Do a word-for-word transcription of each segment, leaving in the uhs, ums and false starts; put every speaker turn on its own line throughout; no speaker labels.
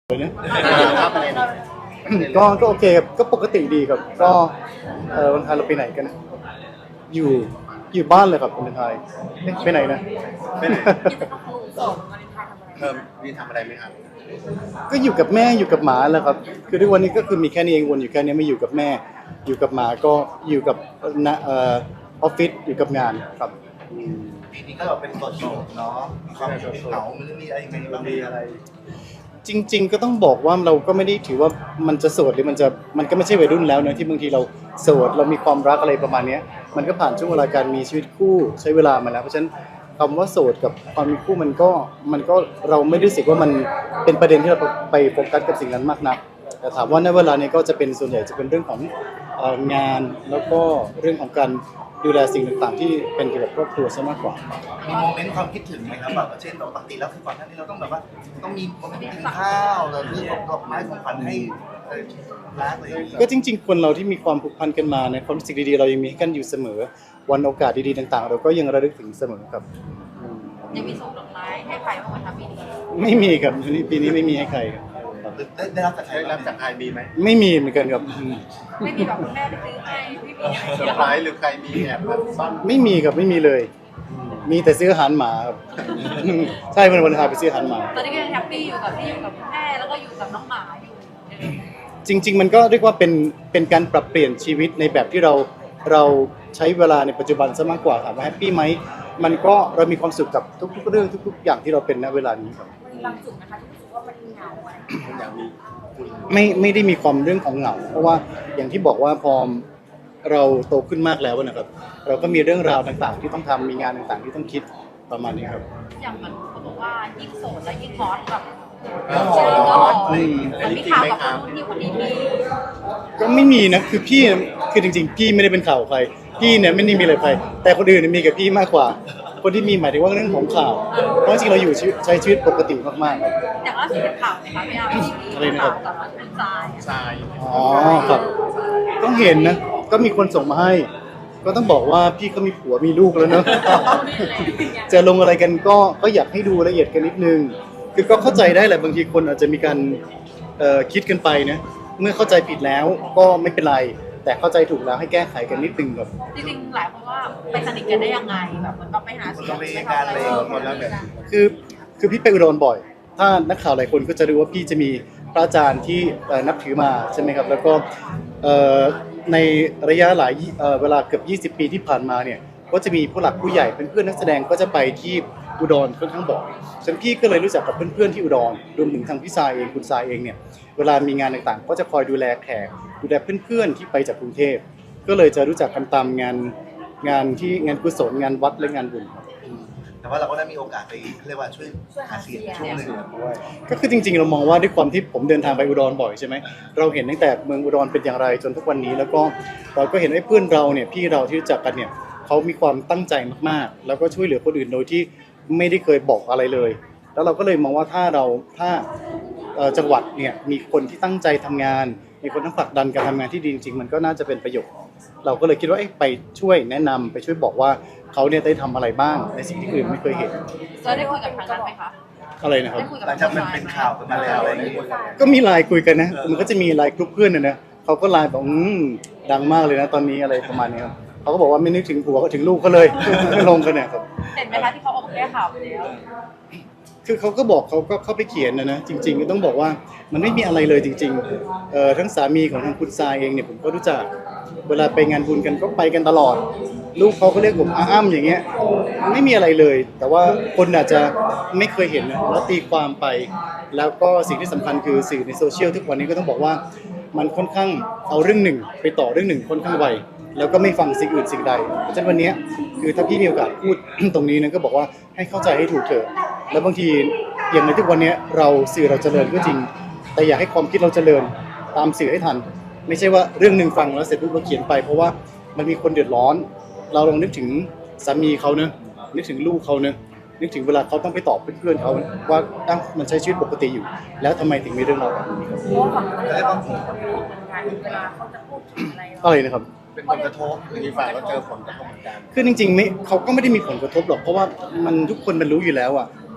เลยนะก็ก็โอเคครับก็ปกติดีครับก็เออวันไทยเราไปไหนกันนะอยู่อยู่บ้านเลยครับวันไทยเอ๊ะไปไหนนะไปไหน
เออมีทำอะไรไหมครับ
ก็อยู่กับแม่อยู่กับหมาแหละครับคือทุกวันนี้ก็คือมีแค่นี้เองวนอยู่แค่นี้ไม่อยู่กับแม่ อยู่กับหมาก็อยู่กับนะเอ่อออฟฟิศอยู่กับงานครับอืม
ปีนี้ก็แบบเป็นโสดๆเนาะมีความเหงามันมีอะไรยังไงบ้างมีอะไร
จริงๆก็ต้องบอกว่าเราก็ไม่ได้ถือว่ามันจะโสดหรือมันจะมันก็ไม่ใช่วัยรุ่นแล้วนะที่บางทีเราโสดเรามีความรักอะไรประมาณเนี้ยมันก็ผ่านช่วงเวลาการมีชีวิตคู่ใช้เวลามาแล้วเพราะฉะนั้นคำว่าโสดกับความมีคู่มันก็มันก็เราไม่รู้สึกว่ามันเป็นประเด็นที่เราไปโฟกัสกับสิ่งนั้นมากนักแต่ถามว่าในเวลานี้ก็จะเป็นส่วนใหญ่จะเป็นเรื่องของเอ่องานแล้วก็เรื่องของการดูแลสิ่งต่างๆที่เป็นเกี่ยวกับครอบครัวซะมากกว่า
มีโมเมนต์ความคิดถึงไหมครับแบบเช่นเราปกติแล้วคือก่อนหน้านี้เราต้องแบบว่าต้องมีโมเมนต์กินข้าวเราเรื่องของดอกไม้ของขวัญให้เอ่อรักอะไรอย่างเงี้ย
ก็จริงๆคนเราที่มีความผูกพันกันมาในความรู้สึกดีๆเรายังมีให้กันอยู่เสมอวันโอกาสดีๆต่างๆ เราก็ยังระลึกถึงเสมอครับอืม
ยังมีส่งดอกไม้ให้ใครบ้างไหมคะปีนี้
ไม่มีครับปีนี้ไม่มีให้ใครครับ
ได้ได้รับจากใครได้รับจากใครมีไหม
ไม่มีเหมือนกันครับอืม
ไม่มีแบบคุณแม่ไปซื้อให้ไม่มีอะไร
เซอร์ไพรส์หรือใครมีแอบแบบซ่อน
ไม่มีครับไม่มีเลย มีแต่ซื้ออาหารหมาครับ ใช่วันวันพาไปซื้ออาหารหมา
ตอนนี้ก็ยังแฮปปี้อยู่กับที่อยู่กับคุณแม่แล้วก็อยู่กับน้องหมาอยู่
จริง ๆ มันก็เรียกว่าเป็นเป็นการปรับเปลี่ยนชีวิตในแบบที่เราเราใช้เวลาในปัจจุบันซะมากกว่าถามว่าแฮปปี้ไหมมันก็เรามีความสุขกับทุก ๆ เรื่องทุก ๆ อย่างที่เราเป็นณเวลานี้ครับ
มีความสุขนะคะที่รู้สึกว่ามันเหงาอะไร
อยากมีคุย
ไม่ไม่ได้มีความเรื่องของเหงาเพราะว่าอย่างที่บอกว่าพอเราโตขึ้นมากแล้วนะครับ เราก็มีเรื่องราวต่างๆ ที่ต้องทำมีงานต่างๆ ที่ต้องคิดประมาณนี้ครับ
อย่างเหมือนเขาบอกว่ายิ่งโสดแล้วยิ่งฮอตแบบ
เออ
เจอก็บอก
อะไร
มัน
นี้
มี
จริง
ข่าว
ไหม
กับ
ค
ค
รั
น
บ
นู้นที่คนนี้มี
ก็ไม่มีนะคือพี่คือจริงๆ พี่ไม่ได้เป็นข่าวใครพี่เนี่ยไม่ได้มีอะไรใครแต่คนอื่นเนยมีกับพี่มากกว่า คนที่มีหมายถึงว่าเรื่องของข่าวเพราะจริงๆเราอยู่ชีวิตใช้ชีวิตปกติมากๆครับ
อย่างล่าสุดเป็นข่าวไหมคะพี่อาร์ม
อะไรนะครับ
ข่าวกับคุณทราย
ทราย
อ๋อครับต้องเห็นนะก็มีคนส่งมาให้ ก็ต้องบอกว่าพี่ก็มีผัวมีลูกแล้วเนอะ จะลงอะไรกันก็ก็อยากให้ดูละเอียดกันนิดนึง คือก็เข้าใจได้แหละบางทีคนอาจจะมีการเอ่อคิดกันไปนะเมื่อเข้าใจผิดแล้วก็ไม่เป็นไร แต่เข้าใจถูกแล้วให้แก้ไขกันนิดนึงครับ
จริงๆหลายคนว่าไปสนิทกันได้ยังไงแบบเหมือนกับไปหา
คน
เสีย
ละ
ง
เว
ไป
กา
ทำ
ร
อะไร
เลยหมดแล้วแบบ
คือคือพี่ไปอุดรบ่อย ถ้านักข่าวหลายคนก็จะรู้ว่าพี่จะมีพระอาจารย์ที่เอ่อนับถือมาใช่ไหมครับ แล้วก็เอ่อในระยะหลายเอ่อเวลาเกือบยี่สิบปีที่ผ่านมาเนี่ยก็จะมีผู้หลักผู้ใหญ่เป็นเพื่อนนักแสดงก็จะไปที่อุดรค่อนข้างบ่อยฉะนันพี่ก็เลยรู้จักกับเพื่อนๆที่อุดรรวมถึงทางพี่ทรายเองคุณทรายเองเนี่ยเวลามีงานต่างๆ ก็จะคอยดูแลแขกดูแลเพื่อนๆที่ไปจากกรุงเทพก็เลยจะรู้จักกันตามงานงานที่งานกุศลงานวัดและงานบุญครับ
แต่ว่าเราก็ได้มีโอกาสไปเรียกว่าช่วยหาเสียงช่วงหนึ่ง
ก็คือจริงๆเรามองว่าด้วยความที่ผมเดินทางไปอุดรบ่อยใช่ไหมเราเห็นตั้งแต่เมืองอุดรเป็นอย่างไรจนทุกวันนี้ แล้วก็เราก็เห็นไอ้เพื่อนเราเนี่ยพี่เราที่รู้จักกันเนี่ยเขามีความตั้งใจมากๆ แล้วก็ช่วยเหลือคนอื่นโดยที่ไม่ได้เคยบอกอะไรเลย แล้วเราก็เลยมองว่าถ้าเราถ้าเอ่อจังหวัดเนี่ยมีคนที่ตั้งใจทำงาน มีคนทั้งผลักดันการทำงานที่ดีจริงๆมันก็น่าจะเป็นประโยชน์เราก็เลยคิดว่าเอ๊ะไปช่วยแนะนำไปช่วยบอกว่าเขาเนี่ยได้ทำอะไรบ้างในสิ่งที่คนอื่นไม่เคยเห็น
จะได้คุยกับทางนั้นไหมคะ
อะไรนะครับ
ได้คุยกับ
หลังจากมันเป็นข่าวกันมาแล้วอะไรอย่างเงี้ย
ก็มีไลน์คุยกันนะ มันก็จะมีไลน์กลุ่มเพื่อนนะนะเขาก็ไลน์บอกอืมดังมากเลยนะตอนนี้อะไรประมาณนี้ครับเขาก็บอกว่าไม่นึกถึงผัวก็ถึงลูกเขาเลย ลงกันเนี่ยครับ
เห็นไหมคะที่เขาออกมาแก้ข่าวไปแล้ว
คือเขาก็บอกเขาก็เข้าไปเขียนนะนะจริง ๆ ก็ต้องบอกว่ามันไม่มีอะไรเลยจริงๆเอ่อทั้งสามีของทางคุณทรายเองเนี่ยผมก็รู้จักเวลาไปงานบุญกันก็ไปกันตลอด ลูกเขาก็เรียกผมอาอ้ำอย่างเงี้ยไม่มีอะไรเลย แต่ว่าคนอาจจะไม่เคยเห็นนะแล้วตีความไป แล้วก็สิ่งที่สำคัญคือสื่อในโซเชียลทุกวันนี้ก็ต้องบอกว่ามันค่อนข้างเอาเรื่องหนึ่งไปต่อเรื่องหนึ่งค่อนข้างไวแล้วก็ไม่ฟังสิ่งอื่นสิ่งใดเพราะฉะนั้นวันนี้คือถ้าพี่มีโอกาสพูด ตรงนี้นะก็บอกว่าให้เข้าใจให้ถูกเถอะแล้วบางทีอย่างในทุกวันนี้เราสื่อเราเจริญก็จริง แต่อยากให้ความคิดเราเจริญตามสื่อให้ทัน ไม่ใช่ว่าเรื่องหนึ่งฟังแล้วเสร็จปุ๊บเราเขียนไป เพราะว่ามันมีคนเดือดร้อน เราลองนึกถึงสามีเขาเนอะนึกถึงลูกเขาเนอะนึกถึงเวลาเขาต้องไปตอบเพื่อนๆเขาว่าอ้าวมันใช้ชีวิตปกติอยู่ แล้วทำไมถึงมีเรื่องราวแบบนี้ครับ
เพราะว่าฝั่งคนที่เขามีคนพูดเหมือนกันเวลาเขาจะพูดถึงอะไร
อะไรนะครับ
เป็นผลกระทบหรืออีกฝ่ายก็เจอผลกระทบเหมือนกัน
คือจริงๆไม่เขาก็ไม่ได้มีผลกระทบหรอกเพราะว่ามันทุกคนมันรู้อยู่แล้วอ่ะ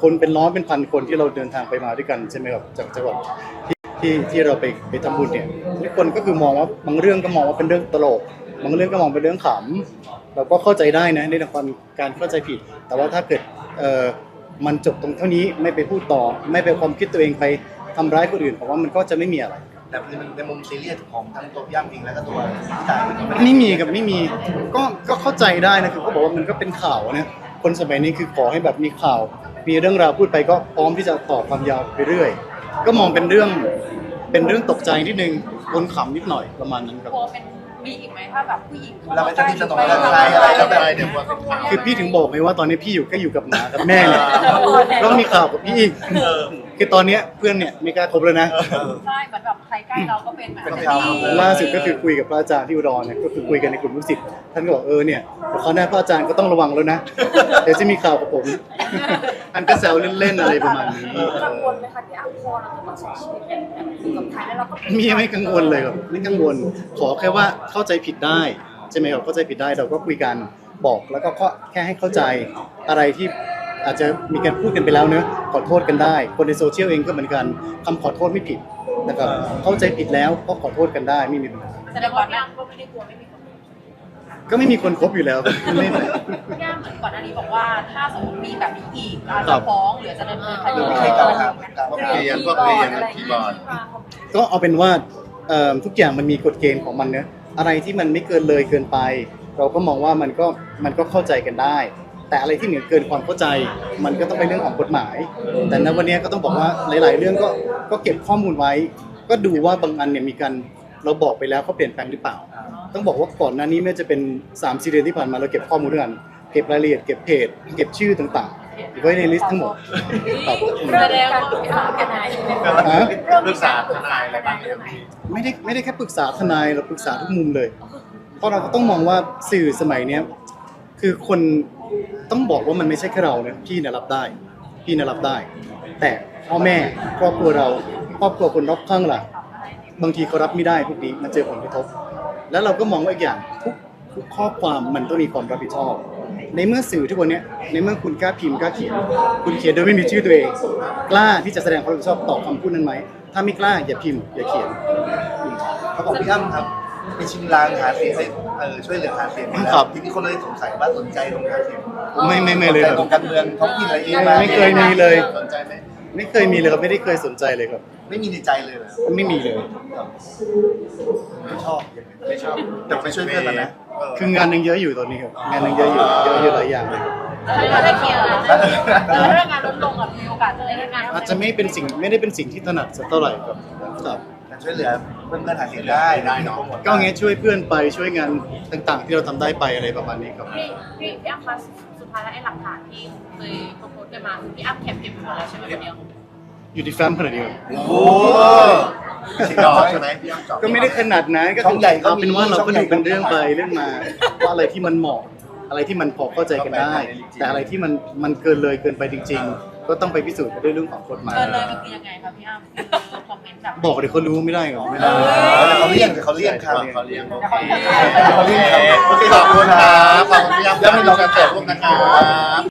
คนเป็นร้อยเป็นพันคนที่เราเดินทางไปมาด้วยกันใช่ไหมครับจากจังหวัดที่ที่ที่เราไปไปทำบุญเนี่ยทุกคนก็คือมองว่าบางเรื่องก็มองว่าเป็นเรื่องตลกบางเรื่องก็มองเป็นเรื่องขำเราก็เข้าใจได้นะในเรื่องของการเข้าใจผิด แต่ว่าถ้าเกิดเอ่อมันจบตรงเท่านี้ไม่ไปพูดต่อ ไม่ไปความคิดตัวเองไปทำร้ายคนอื่นผมว่ามันก็จะไม่มีอะไร
แต่ในมุมซีเรียสของทั้งตัวพี่อ้ำเองแล้วก็ตัวพี่ต่ายเองก็ไม่ได้
ไม่มีกับไม่มีก็ก็เข้าใจได้นะคือเขาบอกว่ามันก็เป็นข่าวนะคนสมัยนี้คือขอให้แบบมีข่าว มีเรื่องราวพูดไปก็พร้อมที่จะต่อความยาวไปเรื่อย ก็มองเป็นเรื่องเป็นเรื่องตกใจนิดนึงคนขำนิดหน่อยประมาณนั้นครับ
กลัวเป็นมีอีกไหมถ้าแบบผู้หญิง
เราไม่สนิทสนมกันอะไรอะไรแล้วแบบเดี๋ยวกลัวเป็นข่าว
คือพี่ถึงบอกไงว่าตอนนี้พี่อยู่ก็อยู่กับหมากับแม่เนี่ยก็มีข่าวกับพี่อีกคือตอนเนี้ยเพื่อนเนี่ยไม่กล้าคบแล้วนะ
ใช่เหมือนแบบใครใกล้เราก็เป็นแบบ
เป็นข่าว
ล่าสุดก็คือคุยกับพระอาจารย์ที่อุดรเนี่ยก็คือคุยกันในกลุ่มลูกศิษย์ท่านก็บอกเออเนี่ยเดี๋ยวคราวหน้าพระอาจารย์ก็ต้องระวังแล้วนะเดี๋ยวจะมีข่าวกับผมอันก็แซวเล่นๆอะไรประมาณนี้
กังวลไหมคะที่อ่ะพอเราจะต้องใช้ชีวิตแบบอยู่กับใครแล้วเราก็เป็น
มีไม่กังวลเลยครับไม่กังวลขอแค่ว่าเข้าใจผิดได้ใช่ไหมครับเข้าใจผิดได้เราก็คุยกันบอกแล้วก็แค่ให้เข้าใจอะไรที่อาจจะมีการพูดกันไปแล้วเนอะขอโทษกันได้ คนในโซเชียลเองก็เหมือนกันคำขอโทษไม่ผิดนะครับเข้าใจผิดแล้วก็ขอโทษกันได้ไม่มีปัญหา
แสดงว่าพี่อ้ำก็ไม่ได้กลัวไม่มีคน
ก็ไม่มีคนคบอยู่แล้วเล่น
พี่อ้ำเหมือนก่อนหน้านี้บอกว่าถ้าสมมติมีแบบนี้อีกอาจจะฟ้องหรือจะดำเนินคดี
มีใครกล่าวหาไหม
พวกเรียนพวกเรียนคีย์บอร์ด
ก็เอาเป็นว่าเอ่อทุกอย่างมันมีกฎเกณฑ์ของมันเนอะอะไรที่มันไม่เกินเลยเกินไป เราก็มองว่ามันก็มันก็เข้าใจกันได้ แต่อะไรที่เหนือเกินความเข้าใจ มันก็ต้องเป็นเรื่องของกฎหมาย แต่ณวันนี้ก็ต้องบอกว่าหลาย ๆ เรื่องก็ก็เก็บข้อมูลไว้ ก็ดูว่าบางอันเนี่ยมีการเราบอกไปแล้วเขาเปลี่ยนแปลงหรือเปล่า ต้องบอกว่าก่อนหน้านี้ไม่จะเป็นสามสี่เดือนที่ผ่านมาเราเก็บข้อมูลด้วยกันเก็บรายละเอียดเก็บเพจเก็บชื่อต่างๆไว้ในลิสต์ทั้งหมดครับ
แสดงว่าปรึกษากันนาย
ฮะ
ปรึกษาทนายอะไรบ้างไหมครับพี่
ไม่ได้ไม่ได้แค่ปรึกษาทนายเราปรึกษาทุกมุมเลย เพราะเราก็ต้องมองว่าสื่อสมัยเนี้ยคือคนต้องบอกว่ามันไม่ใช่แค่เราเนี่ยพี่เนี่ยรับได้ พี่เนี่ยรับได้ แต่พ่อแม่ครอบครัวเราครอบครัวคนรอบข้างล่ะบางทีเขารับไม่ได้พวกนี้มันเจอผลกระทบ แล้วเราก็มองว่าอีกอย่างทุกทุกข้อความมันต้องมีความรับผิดชอบ ในเมื่อสื่อทุกวันเนี้ยในเมื่อคุณกล้าพิมพ์กล้าเขียน คุณเขียนโดยไม่มีชื่อตัวเอง กล้าที่จะแสดงความรับผิดชอบต่อคำพูดนั้นไหมถ้าไม่กล้าอย่าพิมพ์อย่าเขียน
เขาบอกพี่อ้ำครับไปชิมลางหาเสียงให้เออช่วยเหลือหาเสียงแล้
ครั
ว
บ
ทีนี้คนเลยสงสัยว่าสนใจตรงหาเสียง
ไม่ไม่ไม่เลย
สนใจ
ครับ
ตรงการเมืองท้องถิ่นอะไรเอง
ไม่เคยมีเลย
สนใจไหม
ไม่เคยมีเลยครับไม่ได้เคยสนใจเลยครับ
ไม่มีในใจเลยเหรอ
ไม่มีเลย
ไม่ชอบไม่ชอบแต่ไปช่วยเพื่อนมันนะเออ
คืองานยังเยอะอยู่ตอนนี้ครับงานยังเยอะอยู่เยอะอยู่หลายอย่างเลย
ถ้าได้เคลียร์แล้วเรื่องงานลดลงกับมีโอกาสจะได้งาน
อาจจะไม่เป็นสิ่งไม่ได้เป็นสิ่งที่ถนัดสักเท่าไหร่ครับครับ
แต่ช่วยเหลือเพื่อนเพื่อนหาเสียงได้ได้เนาะ
ก็งี้ช่วยเพื่อนไปช่วยงานต่างๆ ที่เราทำได้ไปอะไรประมาณนี้ครับ
พี่พี่พี่อ้ำคะสุดท้ายแล้วไอ้หลักฐานที่เคยโพสต์กันมาพี่อ้ำเก็บเก็บหมดแล้วใช่ไหมคนเดียว
อยู่ที่แฟ้มขนาดนี้ครับ
โอ้ชิจอใช่ไหมพี่อ้ำจอ
ก็ไม่ได้ขนาดนั้นก็
ช่
คือ
องใหญ่ก็
เอา
มี
เป็นว่าเรา
ช่อง
ก็
ใหญ่
ดูเป็นเรื่องไปเรื่องมาว่าอะไรที่มันเหมาะอะไรที่มันพอเข้าใจกันได้ แต่อะไรที่มันมันเกินเลยเกินไปจริง ๆ ก็ต้องไปพิสูจน์กันด้วยเรื่องของกฎหมาย
เกินเลยมันคือยังไงคะพี่อ้ำคือคอมเมนต์แบบ
บอกเดี๋ยวเขารู้ไม่ได้หรอไม่ได้
แต่เขาเลี่ยงแต่เขาเลี่ยงครับ
เขาเรียกโอ
เขาเลี่ยงครับ
เคขอบคุณครับขอบคุณพี่อ้ำแล้วมีเรากันเกิดร่วมนะครับ